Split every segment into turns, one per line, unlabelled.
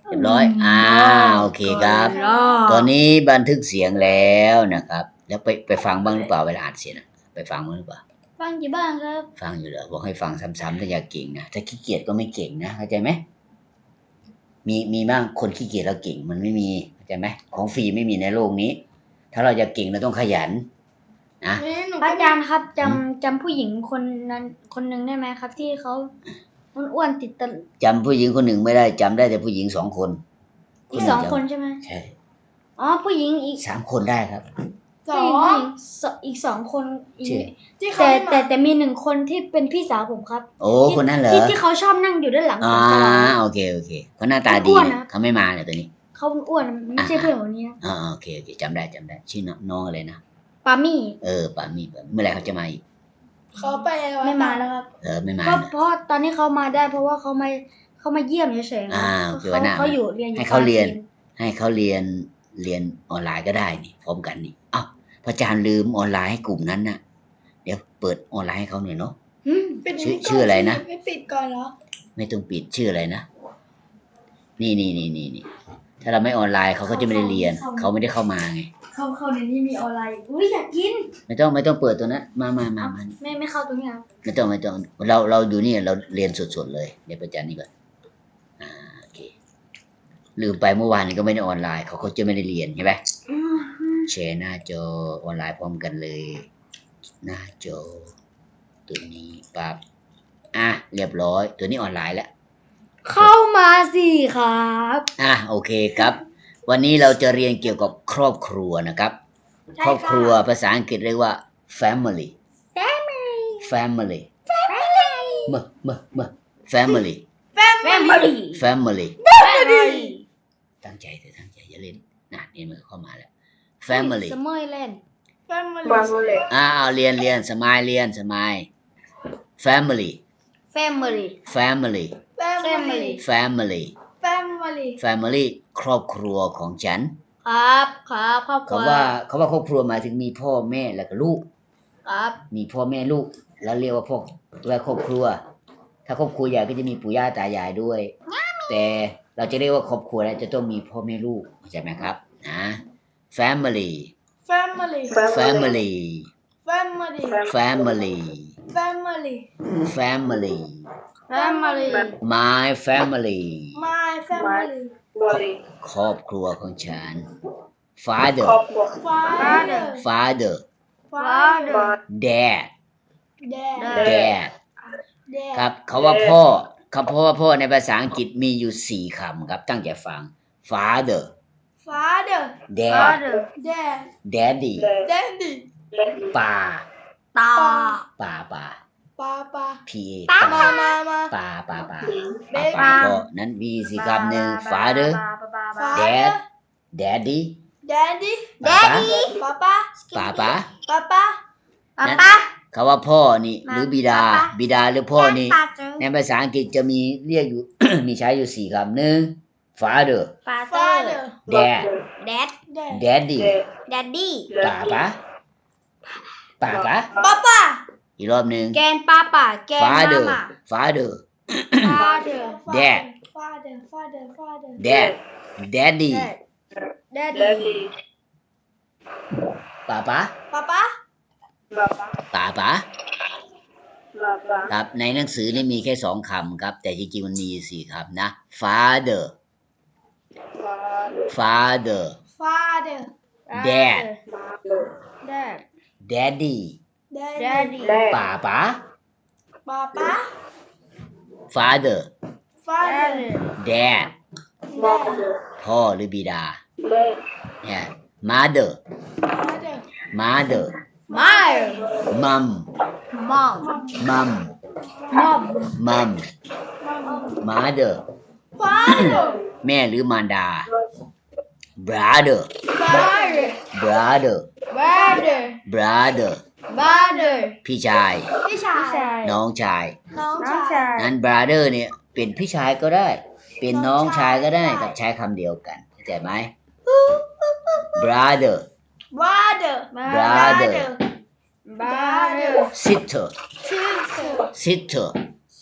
เรียบร้อยโอเคครับตอนนี้บันทึกเสียงแล้วนะครับแล้วไปฟังบ้างหรือเปล่าเวลาอ่านเสียงไปฟังบ้างหรือเปล่า
ฟังกี่บ้างครับ
ฟังอยู่เหรอบอกให้ฟังซ้ำๆถ้าอยากเก่งนะถ้าขี้เกียจก็ไม่เก่งนะเข้าใจไหมมีบ้างคนขี้เกียจแล้วเก่งมันไม่มีเข้าใจไหมของฟรีไม่มีในโลกนี้ถ้าเราจะเก่งเราต้องขยันนะ
พระอาจารย์ครับจำผู้หญิงคนนั้นคนหนึ่งได้ไหมครับ ที่เขาอ้วนติดตลก
จำผู้หญิงคนหนึ่งไม่ได้จำได้แต่ผู้หญิง2 คน
อีก2 คนใช่ไหม
ใช่
ผู้หญิงอีก
3 คนได้ครับ
อีก2 คน
ที่
แต่มี1 คนที่เป็นพี่สาวผมครับ
โอ้คนนั้นเหรอ
ที่เขาชอบนั่งอยู่ด้านหลัง
โอเคเขาหน้าตาดีเขาไม่มาเนี่ยตัวนี้
เขาอ้วนไม่ใช่เพื่อนคนนี้นะ
โอเคจำได้ชื่อน้องอะไรนะ
ปามี่
ปามี่เมื่อไหร่เขาจะมาอีก
เขาไปไม่มาแล้วครับ
ไม่มา
เพราะตอนนี้เขามาได้เพราะว่าเขามาเยี่ยมเฉยๆเขาอยู่เรียน
ให้เขาเรียนออนไลน์ก็ได้นี่พร้อมกันนี่พระอาจารย์ลืมออนไลน์ให้กลุ่มนั้นน่ะเดี๋ยวเปิดออนไลน์ให้เขาหน่อยเนาะชื่ออะไรนะ
ไม่ปิดก่อนเหรอ
ไม่ต้องปิดชื่ออะไรนะนี่ถ้าเราไม่ออนไลน์เขาก็จะไม่ได้เรียนเขาไม่ได้เข้ามาไง
เข้าในนี้มีออนไลน์อยากกิน
ไม่ต้องเปิดตัวนั้นมา
ไม่เข้าตรงนี้ครับ
ไม่ต้องเราอยู่นี่เราเรียนสดๆเลยเดี๋ยวประจานนี่ก่อนโอเคลืมไปเมื่อวานนี้ก็ไม่ได้ออนไลน์เขาจะไม่ได้เรียนใช่ไหมแชร์หน้าจอออนไลน์พร้อมกันเลยหน้าจอตัวนี้ปั๊บเรียบร้อยตัวนี้ออนไลน์แล้ว
เข้ามาสิครับ
โอเคครับวันนี้เราจะเรียนเกี่ยวกับครอบครัวนะครับครอบครัวภาษาอังกฤษเรียกว่า family familyตั้งใจอย่าเล่นนี่มันเข้ามาแล้ว family
สมัยเล่น
เรียนสมัยfamilyครอบครัวของฉัน
ครับครอบครัว
เขาว่าครอบครัวหมายถึงมีพ่อแม่แล้วก็ลูก
ครับ
มีพ่อแม่ลูกแล้วเรียกว่าครอบครัวถ้าครอบครัวใหญ่ก็จะมีปู่ย่าตายายด้วยแต่เราจะเรียกว่าครอบครัวแล้วจะต้องมีพ่อแม่ลูกเข้าใจไหมครับfamily my family ครอบครัวของฉัน father dad ครับเขาว่าพ่อเพราะว่าพ่อในภาษาอังกฤษมีอยู่4 คำครับตั้งใจฟัง father dad daddy ป่า
ตา
ป่าpa ก็นั้นมี4 คำหนึ่ง father dad daddy ป่าเขาว่าพ่อนี่หรือบิดาหรือพ่อนี่ในภาษาอังกฤษจะมีเรียกอยู่ มีใช้อยู่4 คำหนึ่ง father dad daddy ป่าอีกรอบหนึ่ง
แกนป้าแกน
father dad daddy ป่าครับในหนังสือนี่มีแค่2 คำครับแต่จริงๆมันมี4 คำนะ father dad daddy ป่าfather dad พ่อหรือบิดาmother mom mother แม่หรือมารดา brother พี่ชายน้องชายนั้น brother เนี่ยเป็นพี่ชายก็ได้เป็นน้องชายก็ได้กับใช้คำเดียวกันเข้าใจไหม brother sister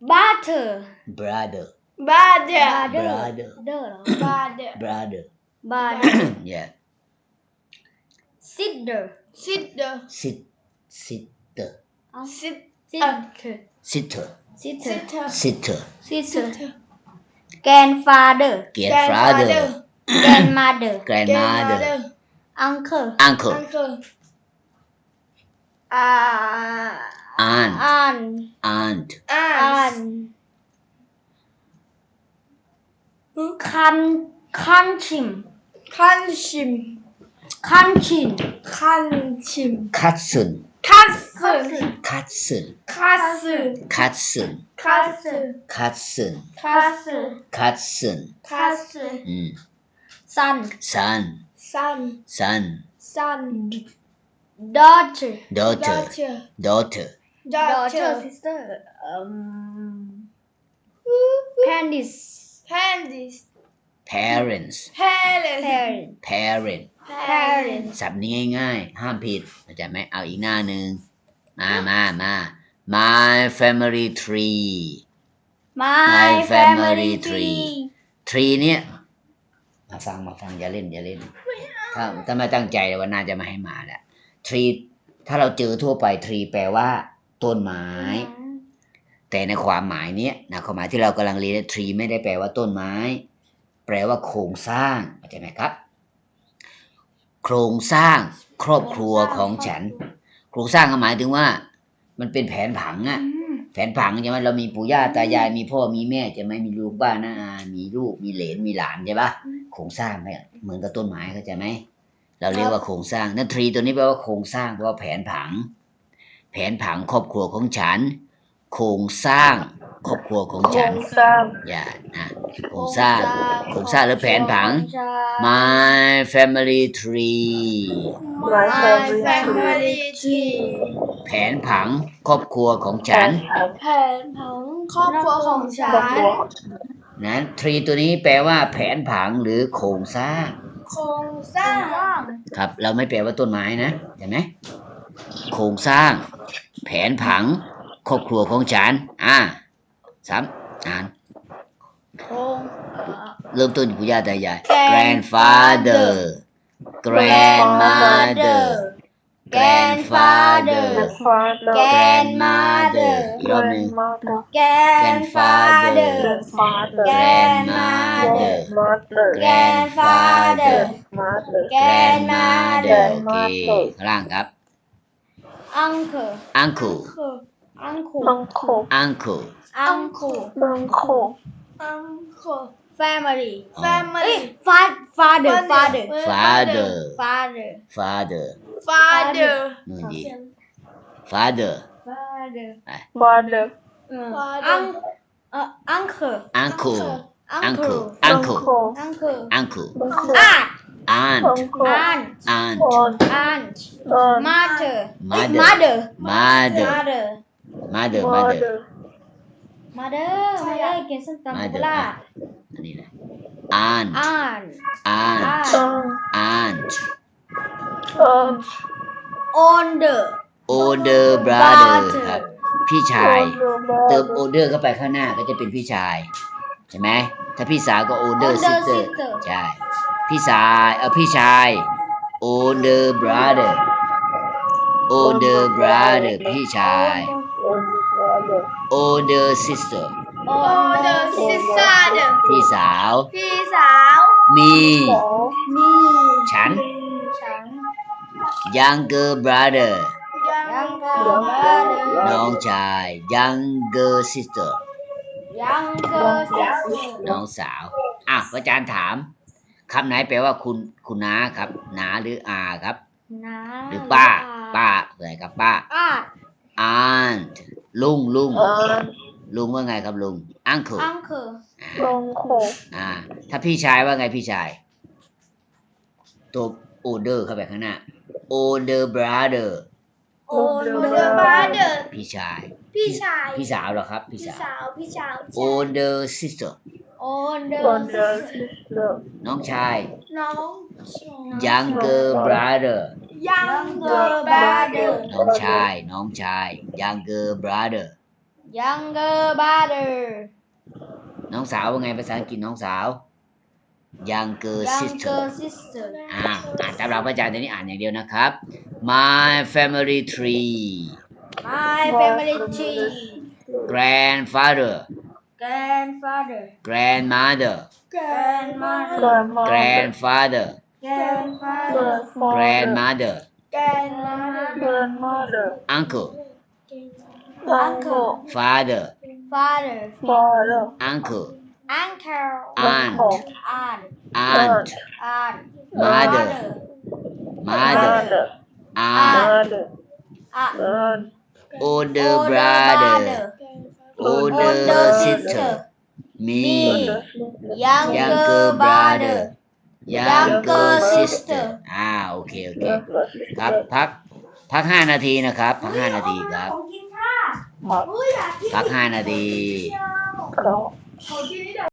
butter
brother
brother
brother
เดอร์เหรอ
brother
brother
brother
yeah
sister
sister
sister
เอา
sit
sister
sister
sister
sister
sister
sister grandfather
grandfather
grandmother
grandmother
uncle
uncle
uncle
aunt
aunt
aunt
aunt
cousin
cousin
cousin
cousin
cousin
cousin
cousin
cousin
cousin
cousin
cousin
cousin
cousin
cousin
อืม
son
son
son
son
son
daughter
daughter
daughter
daughter
daughter
sister parents
parents
parents
parents
parent
parents
ศัพท์นี้ง่ายๆห้ามผิดเข้าใจไหมเอาอีกหน้าหนึ่งมา my family tree
my family tree
tree เนี่ยมาฟังอย่าเล่นถ้าไม่ตั้งใจว่าน่าจะมาให้มาแหละ tree ถ้าเราเจอทั่วไป tree แปลว่าต้นไม้ แต่ในความหมายเนี้ยนะความหมายที่เรากำลังเรียน tree ไม่ได้แปลว่าต้นไม้ แปลว่าโครงสร้างเข้าใจไหมครับ โครงสร้างครอบครัวของฉัน โครงสร้างหมายถึงว่า มันเป็นแผนผังอะแผนผังใช่ไหมเรามีปู่ย่าตายายมีพ่อมีแม่จะไม่มีลูกบ้านนะมีลูกมีเหลนมีหลานใช่ปะโครงสร้างเนี่ยเหมือนกับต้นไม้เข้าใจไหมเราเรียกว่าโครงสร้างนั่นทรีตัวนี้แปลว่าโครงสร้างแปลว่าแผนผังครอบครัวของฉัน โครงสร้างครอบครัวของฉันอย่าโครงสร้างหรือแผนผัง my family tree
my family tree
แผนผังครอบครัวของฉัน
แผนผังครอบครัวของฉัน
นั้นทรีตัวนี้แปลว่าแผนผังหรือโครงสร้าง
โครงสร้าง
ครับเราไม่แปลว่าต้นไม้นะเห็นไหมโครงสร้างแผนผังครอบครัวของฉันซ้ำอ่านเริ่มต้นปู่ย่าตายาย grandfather grandmother grandfather grandmother อีกรอบหนึ่ง
grandfather
grandmother
grandfather
grandmother โอเคข้างล่างครับ
uncle
uncle
uncle
uncle
uncle
uncle
family
อ๋อ
family
father
father
father
father
father
นู่นดี father
father
father
uncle
uncle
uncle
uncle
uncle
uncle
aunt
aunt
aunt
aunt
aunt mother
mother
mother
mother
มาเด้อกินส้มตำโคราช
อันนี้นะ aunt
aunt
aunt
older
brother ครับ พี่ชาย เติม older เข้าไปข้างหน้าก็จะเป็นพี่ชาย ใช่ไหม ถ้าพี่สาวก็ older sister ใช่ พี่ชาย older brother พี่ชาย older sister
older sister
พี่สาว มี ฉัน younger brother น้องชาย younger sister น้องสาวอาจารย์ถามคำไหนแปลว่าคุณน้าครับน้าหรืออาครับ หรือป้าอะไรครับป้า aunt ลุงว่าไงครับลุง uncle ถ้าพี่ชายว่าไงพี่ชาย ตัว older เข้าไปข้างหน้า older brother พี่ชาย พี่สาวเหรอครับ พี่สาว older sister น้องชาย younger brother น้องชาย younger brother
younger brother
น้องสาวว่าไงภาษาอังกฤษน้องสาว younger sister
younger sister
อ่านตามหลักพระอาจารย์ตัวนี้อ่านอย่างเดียวนะครับ my family tree
my family tree
grandfather
grandfather
grandmother
grandmother
grandfather
grandfather
grandmother
grandmother
uncle
uncle
father
father
uncle
uncle
aunt
aunt
aunt
aunt
mother mother aunt
aunt
older brother older sister me
younger brother
younger sister โอเคครับพัก5 นาทีนะครับพัก5 นาทีครับพัก5 นาที